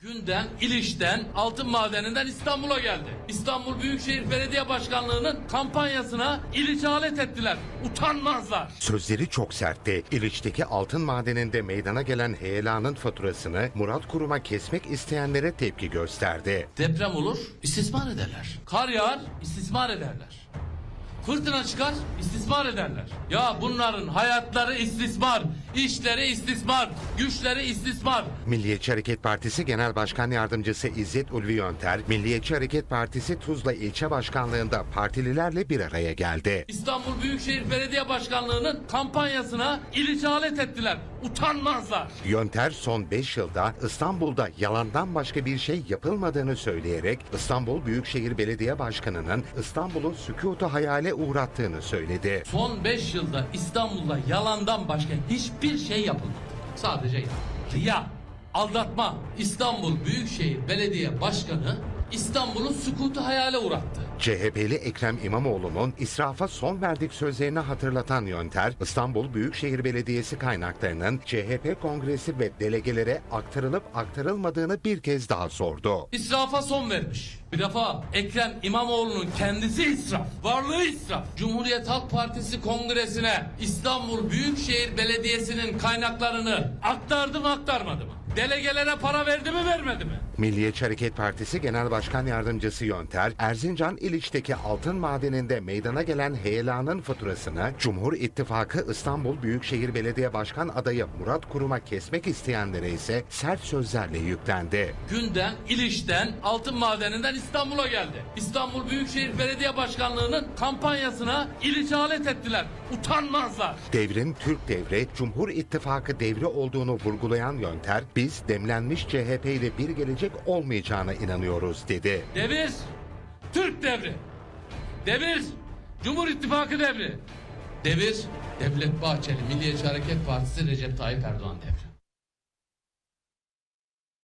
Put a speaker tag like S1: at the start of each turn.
S1: Günden, İliç'ten, Altın Madeni'nden İstanbul'a geldi. İstanbul Büyükşehir Belediye Başkanlığı'nın kampanyasına İliç'e alet ettiler. Utanmazlar.
S2: Sözleri çok sertti. İliç'teki altın madeninde meydana gelen heyelanın faturasını Murat Kurum'a kesmek isteyenlere tepki gösterdi.
S1: Deprem olur, istismar ederler. Kar yağar, istismar ederler. Fırtına çıkar, istismar ederler. Ya bunların hayatları istismar, işleri istismar, güçleri istismar.
S2: Milliyetçi Hareket Partisi Genel Başkan Yardımcısı İzzet Ulvi Yönter, Milliyetçi Hareket Partisi Tuzla İlçe Başkanlığı'nda partililerle bir araya geldi.
S1: İstanbul Büyükşehir Belediye Başkanlığı'nın kampanyasına İliç'e alet ettiler. Utanmazlar.
S2: Yönter son 5 yılda İstanbul'da yalandan başka bir şey yapılmadığını söyleyerek İstanbul Büyükşehir Belediye Başkanı'nın İstanbul'u sükutu hayale uğrattığını söyledi.
S1: Son 5 yılda İstanbul'da yalandan başka hiçbir şey yapılmadı. Sadece yalan. Riya, aldatma. İstanbul Büyükşehir Belediye Başkanı İstanbul'u sükutu hayale uğrattı.
S2: CHP'li Ekrem İmamoğlu'nun israfa son verdik sözlerini hatırlatan Yönter, İstanbul Büyükşehir Belediyesi kaynaklarının CHP kongresi ve delegelere aktarılıp aktarılmadığını bir kez daha sordu.
S1: İsrafa son vermiş. Bir defa Ekrem İmamoğlu'nun kendisi israf, varlığı israf. Cumhuriyet Halk Partisi kongresine İstanbul Büyükşehir Belediyesi'nin kaynaklarını aktardı mı aktarmadı mı? Delegelere para verdi mi vermedi mi?
S2: Milliyetçi Hareket Partisi Genel Başkan Yardımcısı Yönter, Erzincan İliç'teki altın madeninde meydana gelen heyelanın faturasını Cumhur İttifakı İstanbul Büyükşehir Belediye Başkan adayı Murat Kurum'a kesmek isteyenlere ise sert sözlerle yüklendi.
S1: Günden, İliç'ten, Altın Madeni'nden İstanbul'a geldi. İstanbul Büyükşehir Belediye Başkanlığı'nın kampanyasına İliç'e alet ettiler. Utanmazlar.
S2: Devrin Türk devri, Cumhur İttifakı devri olduğunu vurgulayan Yönter, biz demlenmiş CHP ile bir gelecek olmayacağına inanıyoruz dedi.
S1: Devir, Türk devri. Devir, Cumhur İttifakı devri. Devir, Devlet Bahçeli Milliyetçi Hareket Partisi Recep Tayyip Erdoğan devri.